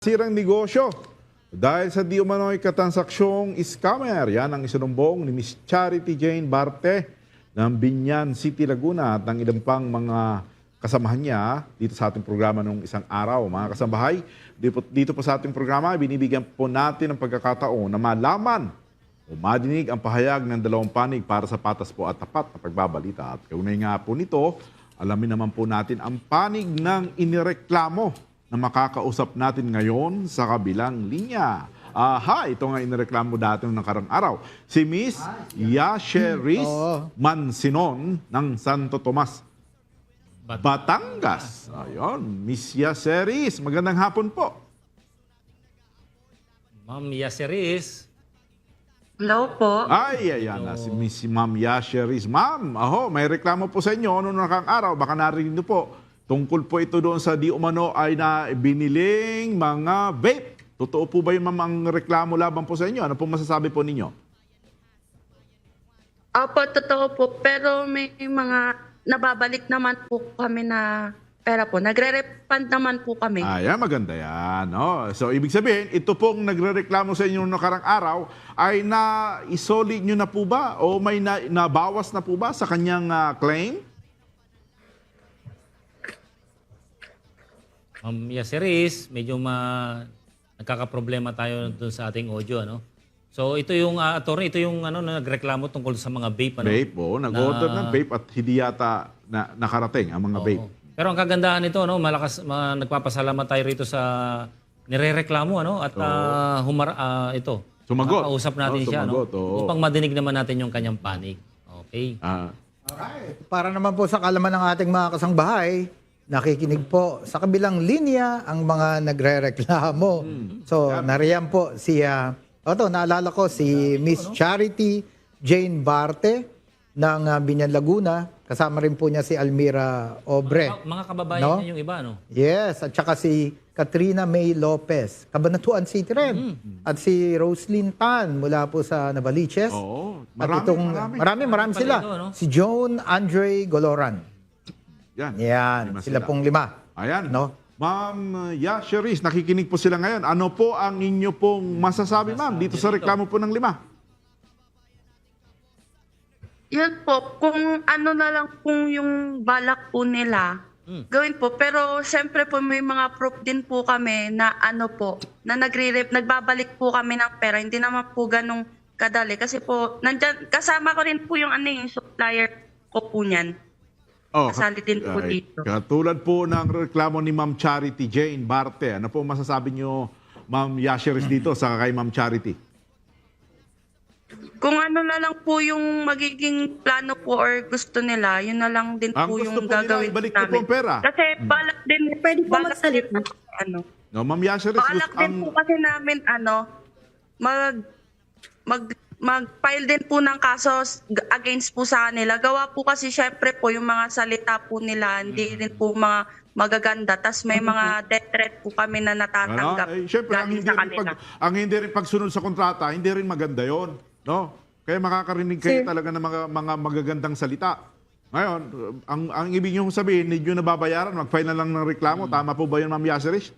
Sirang negosyo dahil sa di umano'y katansaksyong scammer. Yan ang isinumbong ni Miss Charity Jane Barte ng Binyan City, Laguna at ng ilang pang mga kasamahan niya dito sa ating programa nung isang araw. Mga kasambahay, dito po sa ating programa, binibigyan po natin ng pagkakataon na malaman o madinig ang pahayag ng dalawang panig para sa patas po at tapat na pagbabalita. At kaunay nga po nito, alamin naman po natin ang panig ng inireklamo na makakausap natin ngayon sa kabilang linya. Ito nga inireklamo dati ng nakarang araw. Si Miss Yasheris Mansinon ng Santo Tomas, Batangas. Ayun, Miss Yasheris, magandang hapon po. Ma'am Yasheris. Hello po. Ayan na si Miss Ma'am Yasheris. Ma'am, may reklamo po sa inyo noong nakarang araw. Baka narinig niyo po. Tungkol po ito doon sa di umano ay na biniling mga vape. Totoo po ba yung mamang reklamo laban po sa inyo? Ano po masasabi po ninyo? Opo, totoo po. Pero may mga nababalik naman po kami na pera po. Nagre-refund naman po kami. Ayan, maganda yan. No? So, ibig sabihin, ito pong nagre-reklamo sa inyo noong nakarang araw ay na-isolate nyo na po ba? O may nabawas na po ba sa kanyang claim? Ma'am Yasheris, medyo nagkakaproblema tayo dun sa ating audio, ano? So ito yung attorney, ito yung nagreklamo tungkol sa mga vape, ano? Vape, nag-order ng vape at hindi yata nakarating ang mga vape. Pero ang kagandahan nito, no, nagpapasalamat tayo rito sa nirereklamo, ano? At ito, Sumagot. makausap natin siya, no? Upang madinig naman natin yung kanyang panig. Okay. Alright. Para naman po sa kalaman ng ating mga kasangbahay, nakikinig po sa kabilang linya ang mga nagrereklamo. So, nariyan po si, naalala ko si Miss Charity Jane Barte ng Binyan, Laguna. Kasama rin po niya si Almira Obre. Mga kababayan No? niya yung iba, no? Yes, at saka si Katrina May Lopez, Cabanatuan City rin. At si Roslyn Tan mula po sa Navaliches. Oo. At marami sila. Ito, no? Si Joan Andre Goloran. Yan, sila pong 5. Ayan. No? Ma'am Yasheris, nakikinig po sila ngayon. Ano po ang inyo pong masasabi, ma'am, dito sa reklamo po ng 5? Yun po, kung ano na lang kung yung balak po nila, gawin po. Pero siyempre po may mga proof din po kami na na nagbabalik po kami ng pera. Hindi naman po ganong kadali. Kasi po, kasama ko rin po yung yung supplier ko po niyan. Kasali din po dito. Katulad po ng reklamo ni Ma'am Charity Jane Barte. Ano po masasabi niyo, Ma'am Yasheris, dito sa kay Ma'am Charity? Kung ano na lang po yung magiging plano po or gusto nila, yun na lang din Ang po gusto yung po nila, gagawin ibalik niyo po namin. ang pera. Kasi balak din, Pwede po magsalita. No, Ma'am Yasheris, Balak din po kasi namin mag-file din po ng kaso against po sa kanila. Gawa po kasi syempre po yung mga salita po nila, hindi rin po mga magaganda. Tas may mga death threat po kami na natatanggap Siyempre, galing sa kanila. ang hindi rin pagsunod sa kontrata, hindi rin maganda yon, no? Kaya makakarinig kayo talaga ng mga magagandang salita. Ngayon, ang ibig niyo sabihin, hindi nyo nababayaran, mag-file na lang ng reklamo. Tama po ba yun, Ma'am Yasheris?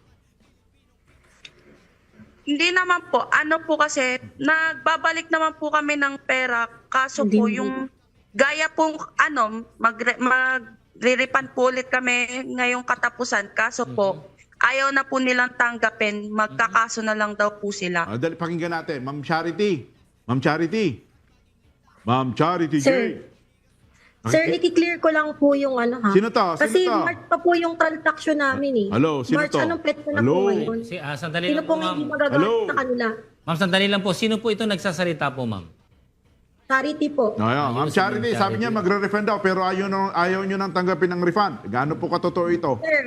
Hindi naman po. Ano po kasi, nagbabalik naman po kami ng pera. Kaso po yung gaya pong magre-refund po ulit kami ngayong katapusan. Kaso po, ayaw na po nilang tanggapin. Magkakaso na lang daw po sila. Dali, pakinggan natin. Ma'am Charity. Ma'am Charity. Ma'am Charity Sir. Jane. Sir, i-clear ko lang po yung Sino to? Kasi Sino to? March pa po yung transaction namin eh. Hello, sino March, to? anong petsa na Hello? po ngayon? Sandali Sino lang po po, nga hindi ma'am. magagamit Hello? sa kanila? Ma'am, sandali lang po. Sino po ito nagsasalita po, ma'am? Charity po. Ma'am si Charity, Ma'am sabi Charity. niya magre-refund daw pero ayaw nyo nang tanggapin ng refund. Gaano po katotoo ito? Sir,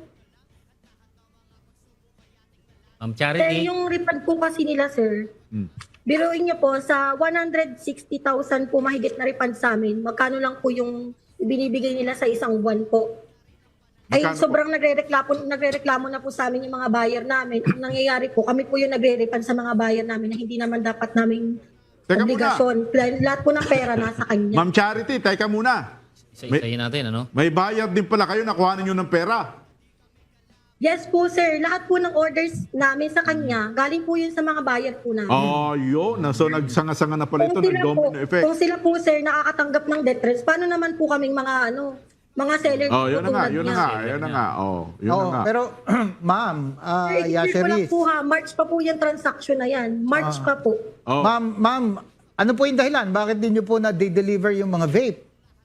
Charity. yung refund po kasi nila, sir, biruin niyo po, sa 160,000 po mahigit na refund sa amin, magkano lang po yung binibigay nila sa isang buwan po? Ay, Magkano sobrang nagre-reklamo na po sa amin yung mga buyer namin. Ang nangyayari po, kami po yung nagre-refund sa mga buyer namin na hindi naman dapat naming Teka obligasyon. Lahat po ng pera nasa kanya. Ma'am Charity, teka muna. Isa-isahin natin, ano? May bayad din pala kayo, nakuha ninyo ng pera. Yes po, sir. Lahat po ng orders namin sa kanya, galing po yun sa mga buyer po namin. Oh, yun. So, nagsanga-sanga na pala ito ng domino effect. Kung sila po, sir, nakakatanggap ng death threats, paano naman po kaming mga seller Oh, yun po na nga, tulad yun na niya? nga, yun na nga. Oh, yun na Oo, nga. pero ma'am, Sir, i-clear ko lang Yasheris. po ha, March pa po yung transaction na yan. March pa po. Oh. Ma'am, ano po yung dahilan? Bakit din niyo po na-deliver yung mga vape?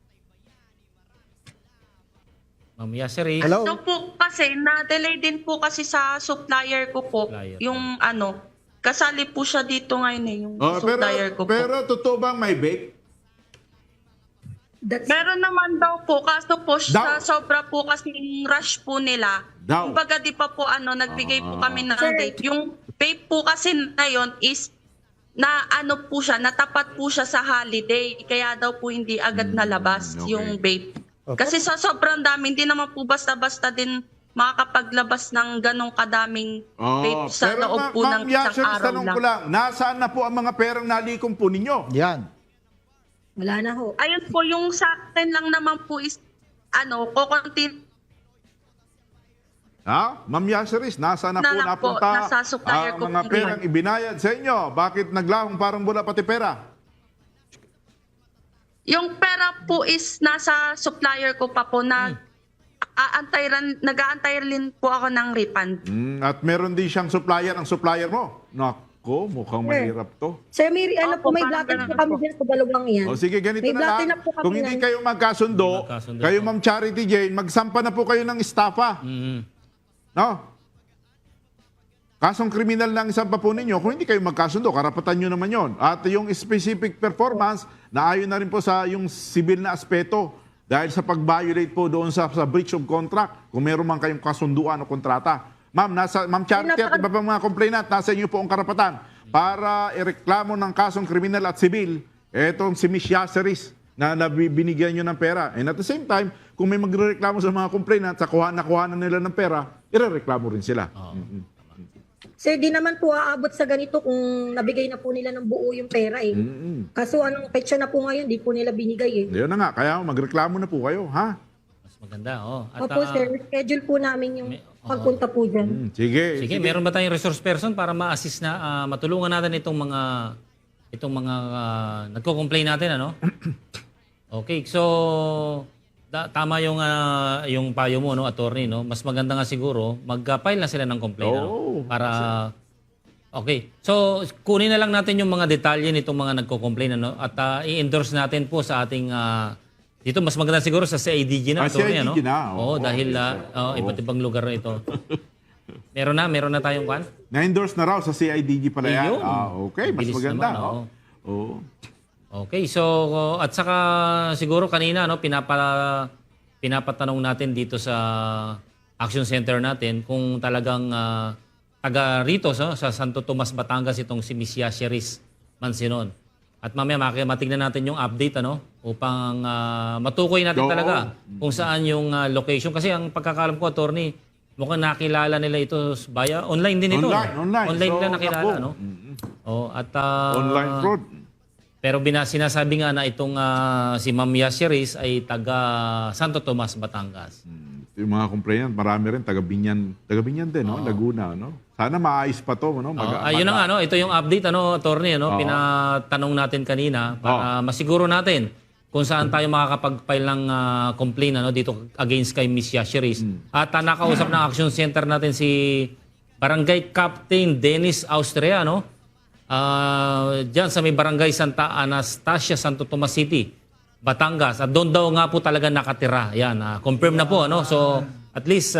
Ma'am Yasheris. Hello? So po kasi, na-delay din po kasi sa supplier ko po. Supplier. Yung kasali po siya dito ngayon yung Oh, supplier ko po. pero totoo bang may vape? That's, Meron naman daw po, kaso po Daw. sa sobra po kasi rush po nila. Daw. Kumbaga di pa po nagbigay po kami ng Sir. vape. Yung vape po kasi na yun is na po siya, natapat po siya sa holiday. Kaya daw po hindi agad nalabas okay. yung vape. Okay. Kasi sa sobrang dami, hindi naman po basta-basta din makakapaglabas ng ganong kadaming vape sa pero loob po Ma'am ng isang Yasheris, araw tanong lang. ko lang, nasaan na po ang mga perang nalikom po ninyo? Yan. wala na ho. Ayun po, yung sa akin lang naman po is, kukontin Ha? Ma'am Yasheris, nasaan na Na po lang po, napunta nasa supplier ang ko mga po perang ibinayad sa inyo? Bakit naglahong parang bula pati pera? Yung pera po is nasa supplier ko pa po na nag-aantay rin po ako ng refund. At meron din siyang supplier, ang supplier mo. Nako, mukhang mahirap to. Sir, may, Opo, po, may parang blatter ganun po kami po. din sa dalawang yan. O sige, ganito May na blatter lang. na po kami Kung hindi yan. kayo magkasundo, Magkasundo kayo po. Ma'am Charity Jane, magsampa na po kayo ng estafa. Mhm. No? Kasong kriminal ng isang pa po ninyo, kung hindi kayo magkasundo, karapatan nyo naman yon. At yung specific performance, naayon na rin po sa yung civil na aspeto dahil sa pag-violate po doon sa breach of contract, kung meron man kayong kasunduan o kontrata. Ma'am Charity at iba pang mga complainant, nasa inyo po ang karapatan para ireklamo ng kasong kriminal at civil etong si Miss Yasheris na binigyan nyo ng pera. And at the same time, kung may magreklamo sa mga complainant, sa nakuha na nila ng pera, irereklamo rin sila. Sir, di naman po aabot sa ganito kung nabigay na po nila ng buo yung pera eh. Kaso anong petsa na po ngayon, di po nila binigay eh. Yun na nga, kaya magreklamo na po kayo, ha? Mas maganda, oh. At, Opo sir, schedule po namin yung pagpunta po dyan. Sige. sige, meron ba tayong resource person para ma-assist na matulungan natin itong mga nagko-complain natin, ano? Okay, so tama yung payo mo, no, attorney, no. Mas maganda nga siguro mag-file na sila ng complaint, ano, para okay. So kunin na lang natin yung mga detalye nitong mga nagko-complain, ano, at i-endorse natin po sa ating dito mas maganda siguro sa CIDG na, attorney, ano. CIDG na, Oo, dahil iba't ibang lugar na ito. Meron na tayong kwan? Na-endorse na raw sa CIDG pala yan. Ayun. Okay, mas Bilis maganda. naman, oo. Oo. Okay, so at saka siguro kanina, no, pinapatanong natin dito sa Action Center natin kung talagang taga rito sa Santo Tomas, Batangas itong si Miss Yasheris Mansinon. At mamaya matignan natin yung update, ano, upang matukoy natin Oo. talaga kung saan yung location. Kasi ang pagkakalam ko, attorney, mukhang nakilala nila ito via online din ito. Online. Online So, nila nakilala, naku. no? Oh, at Online fraud. pero sinasabi nga na itong si Ma'am Yasheris ay taga Santo Tomas, Batangas. Yung mga complainant, marami rin, taga Binyan din, no? Laguna, no? Sana maayos pa to, no? Ayun na nga, no? Ito yung update, ano, attorney, no? Pinatanong natin kanina para masiguro natin kung saan tayo makakapag-file ng complaint, ano, dito against kay Miss Yasheris. At nakausap ng Action Center natin si Barangay Captain Dennis Austria, no? Diyan sa may Barangay Santa Anastasia, Santo Tomas City, Batangas. At doon daw nga po talaga nakatira. Yan, confirm na po, ano? So, at least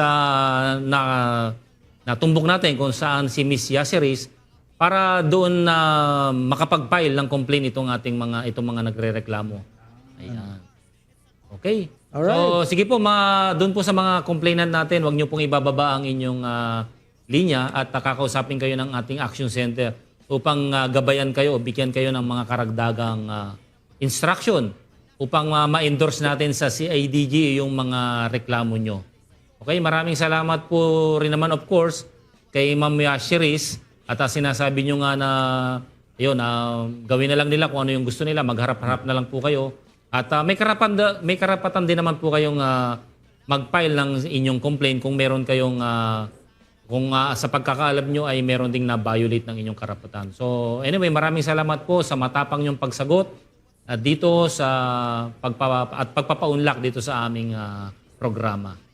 natumbok natin kung saan si Miss Yasheris para doon na makapag-file ng complaint itong mga nagrereklamo. Ayan. Okay. Alright. So, sige po, doon po sa mga complainant natin, huwag niyo pong ibababa ang inyong linya at kakausapin kayo ng ating Action Center upang gabayan kayo, bigyan kayo ng mga karagdagang instruction upang ma-endorse natin sa CIDG yung mga reklamo nyo. Okay, maraming salamat po rin naman of course kay Ma'am Yasheris at sinasabi nyo nga na yun, gawin na lang nila kung ano yung gusto nila, magharap-harap na lang po kayo. At may karapatan din naman po kayong mag-file ng inyong complaint kung meron kayong kung sa pagkakaalam nyo ay meron ding na-violate ng inyong karapatan. So anyway, maraming salamat po sa matapang nyong pagsagot at dito sa pagpapaunlak dito sa aming programa.